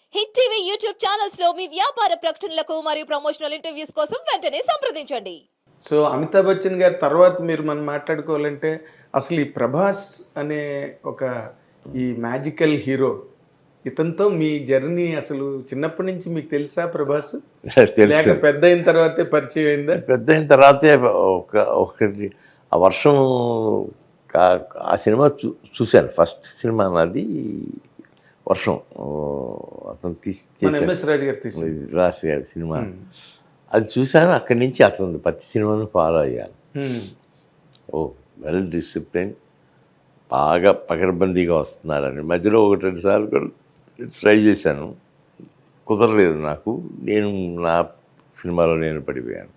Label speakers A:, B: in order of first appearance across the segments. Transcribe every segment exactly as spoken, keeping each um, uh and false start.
A: Hit TV YouTube channels లో మీ వ్యాపార ప్రకటనలకు మరియు ప్రమోషనల్ ఇంటర్వ్యూస్ కోసం వెంటనే సంప్రదించండి.
B: సో అమితాబ్ బచ్చన్ గారి తర్వాత మీరు మనం మాట్లాడుకోవాలంటే అసలు ఈ ప్రభాస్ అనే ఒక ఈ మ్యాజికల్ హీరో, ఇతనితో మీ జర్నీ అసలు చిన్నప్పటి నుంచి మీకు తెలుసా ప్రభాస్? లేక పెద్ద అయిన తర్వాతే పరిచయం అయిందా?
C: పెద్ద అయిన తర్వాతే ఒక ఒకటి ఆ వర్షం ఆ సినిమా చూ చూశాను. ఫస్ట్ సినిమా నాది వర్షం, అతను తీసి రాసి గారి సినిమా. అది చూశాను. అక్కడి నుంచి అతను ప్రతి సినిమాను ఫాలో అయ్యాను. ఓ వెల్ డిసిప్లిన్, బాగా పకడ్బందీగా వస్తున్నారని. మధ్యలో ఒకటి రెండు సార్లు కూడా ట్రై చేశాను, కుదరలేదు నాకు. నేను నా సినిమాలో నేను పడిపోయాను.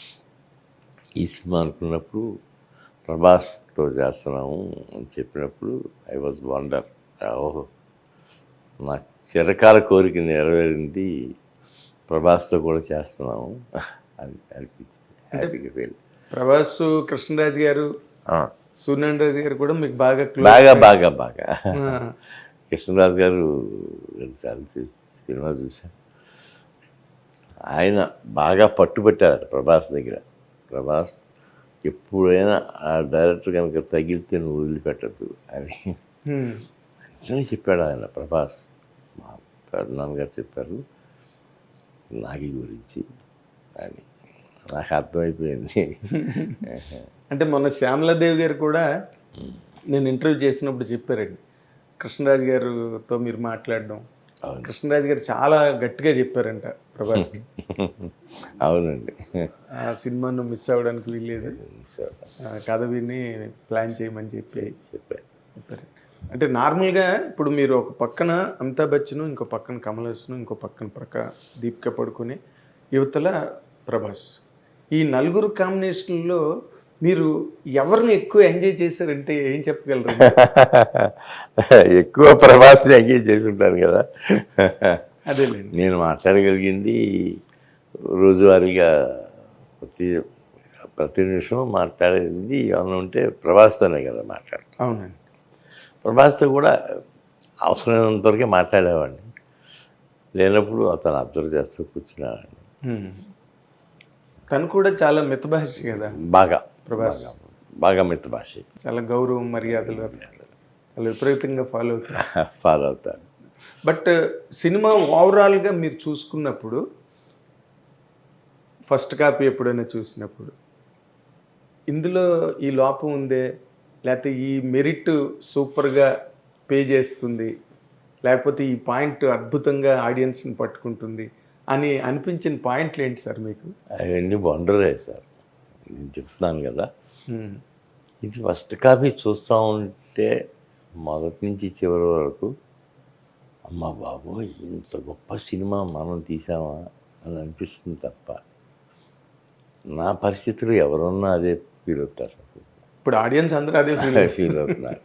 C: ఈ సినిమా అనుకున్నప్పుడు ప్రభాస్తో చేస్తున్నాము అని చెప్పినప్పుడు ఐ వాజ్ వండర్. ఓహో, నా చిరకాల కోరిక నెరవేరింది, ప్రభాస్తో కూడా చేస్తున్నాము అని అనిపించింది. హ్యాపీగా ఫీల్.
B: ప్రభాస్, కృష్ణరాజు గారు, సూర్యనారాయణ రాజు గారు కూడా మీకు బాగా
C: బాగా బాగా బాగా కృష్ణరాజు గారు రెండుసార్లు సినిమా చూశాను. ఆయన బాగా పట్టుబట్టారు ప్రభాస్ దగ్గర. ప్రభాస్ ఎప్పుడైనా ఆ డైరెక్టర్ కనుక తగిలితే నువ్వు వదిలిపెట్టద్దు అని అని చెప్పాడు ఆయన. ప్రభాస్ మా నాన్నగారు చెప్పారు నాగి గురించి అని. నాకు అర్థమైపోయింది.
B: అంటే మొన్న శ్యామలాదేవి గారు కూడా నేను ఇంటర్వ్యూ చేసినప్పుడు చెప్పారండి, కృష్ణరాజు గారితో మీరు మాట్లాడడం. కృష్ణరాజు గారు చాలా గట్టిగా చెప్పారంట ప్రభాస్కి.
C: అవునండి,
B: ఆ సినిమాను మిస్ అవ్వడానికి వీల్లేదు, కథ విని ప్లాన్ చేయమని చెప్పి
C: చెప్పారు
B: చెప్పారు. అంటే నార్మల్గా ఇప్పుడు మీరు ఒక పక్కన అమితాబ్ బచ్చన్, ఇంకో పక్కన కమల్ హాసన్, ఇంకో పక్కన ప్రక్క దీపిక పడుకుని, యువతల ప్రభాస్, ఈ నలుగురు కాంబినేషన్లో మీరు ఎవరిని ఎక్కువ ఎంజాయ్ చేశారంటే ఏం చెప్పగలరు?
C: ఎక్కువ ప్రభాస్ని ఎంజాయ్ చేసి ఉంటాను కదా.
B: అదేలేండి,
C: నేను మాట్లాడగలిగింది రోజువారీగా ప్రతి ప్రతి నిమిషం మాట్లాడేది ఏమన్నా ఉంటే ప్రభాస్తోనే కదా మాట్లాడతాను.
B: అవునండి,
C: ప్రభాస్తో కూడా అవసరమైనంత వరకే మాట్లాడేవాడిని. లేనప్పుడు అతను అబ్జర్వ్ చేస్తూ కూర్చునేవాడిని.
B: తను కూడా చాలా మితభాషి కదా
C: బాగా.
B: ప్రభాస్
C: బాగా మితభాషి,
B: చాలా గౌరవం మర్యాదలు చాలా విపరీతంగా ఫాలో అవుతారు
C: ఫాలో అవుతారు
B: బట్ సినిమా ఓవరాల్గా మీరు చూసుకున్నప్పుడు, ఫస్ట్ కాపీ ఎప్పుడైనా చూసినప్పుడు ఇందులో ఈ లోపం ఉందే, లేకపోతే ఈ మెరిట్ సూపర్గా పే చేస్తుంది, లేకపోతే ఈ పాయింట్ అద్భుతంగా ఆడియన్స్ని పట్టుకుంటుంది అని అనిపించిన పాయింట్లు ఏంటి సార్ మీకు?
C: అవన్నీ వండరే సార్. నేను చెప్తున్నాను కదా, ఇది ఫస్ట్ కాపీ చూస్తూ ఉంటే మొదటి నుంచి చివరి వరకు అమ్మ బాబు ఇంత గొప్ప సినిమా మనం తీసామా అని అనిపిస్తుంది తప్ప నా పరిస్థితులు ఎవరున్నా అదే ఫీల్ అవుతారు.
B: ఇప్పుడు ఆడియన్స్ అందరూ అదే
C: ఫీల్ అవుతున్నారు.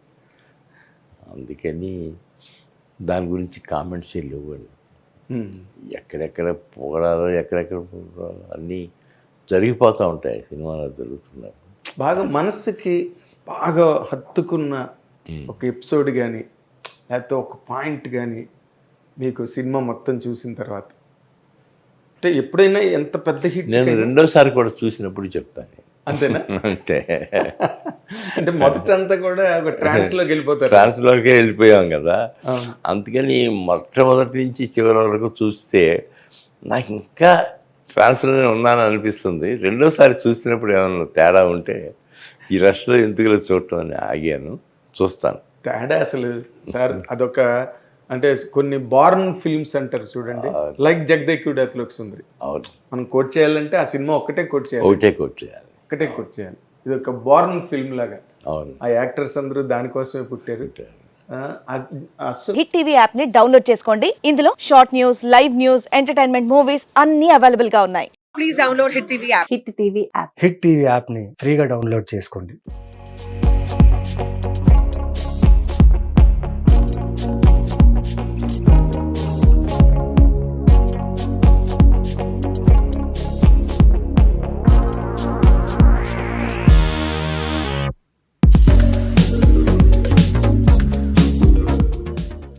C: అందుకని దాని గురించి కామెంట్స్ లేవండి. ఎక్కడెక్కడ పొగడాలో ఎక్కడెక్కడ పొగడాలో అన్నీ జరిగిపోతూ ఉంటాయి సినిమాలో, జరుగుతున్నాయి.
B: బాగా మనస్సుకి బాగా హత్తుకున్న ఒక ఎపిసోడ్ కానీ లేకపోతే ఒక పాయింట్ కానీ మీకు సినిమా మొత్తం చూసిన తర్వాత, అంటే ఎప్పుడైనా ఎంత పెద్ద హిట్,
C: నేను రెండోసారి కూడా చూసినప్పుడు చెప్తాను.
B: అంతేనా?
C: అంతే.
B: అంటే మొదటంతా కూడా ఒక ట్రాన్స్లోకి వెళ్ళిపోతారు.
C: ట్రాన్స్లోకి వెళ్ళిపోయాం కదా, అందుకని మొట్టమొదటి నుంచి చివరి వరకు చూస్తే నాకు ఇంకా ట్రాన్స్లోనే ఉన్నాను అనిపిస్తుంది. రెండోసారి చూసినప్పుడు ఏమన్నా తేడా ఉంటే ఈ రష్లో ఎందుకులో చూడటం అని ఆగాను. చూస్తాను
B: తేడా అసలు సార్. అదొక అంటే కొన్ని బార్న్ ఫిల్మ్స్ అంటారు చూడండి, లైక్ జగదేకుడు అతలోకి సుందరి.
C: అవును, మనం
B: కోట్ చేయాలంటే ఆ సినిమా ఒకటే కోట్ చేయాలి,
C: ఒకటే కోట్ చేయాలి,
B: ఒకటే కోట్ చేయాలి. ఇది ఒక బార్న్ ఫిల్మ్ లాగా.
C: అవును,
B: ఆ యాక్టర్స్ అందరూ దానికోసమే పుట్టారు.
A: హిట్ టీవీ యాప్ ని డౌన్లోడ్ చేసుకోండి. ఇందులో short news, live news, entertainment movies అన్ని అవైలబుల్ గా ఉన్నాయి. Please download hit TV app.
D: Hit TV app hit TV app ని ఫ్రీగా డౌన్లోడ్ చేసుకోండి.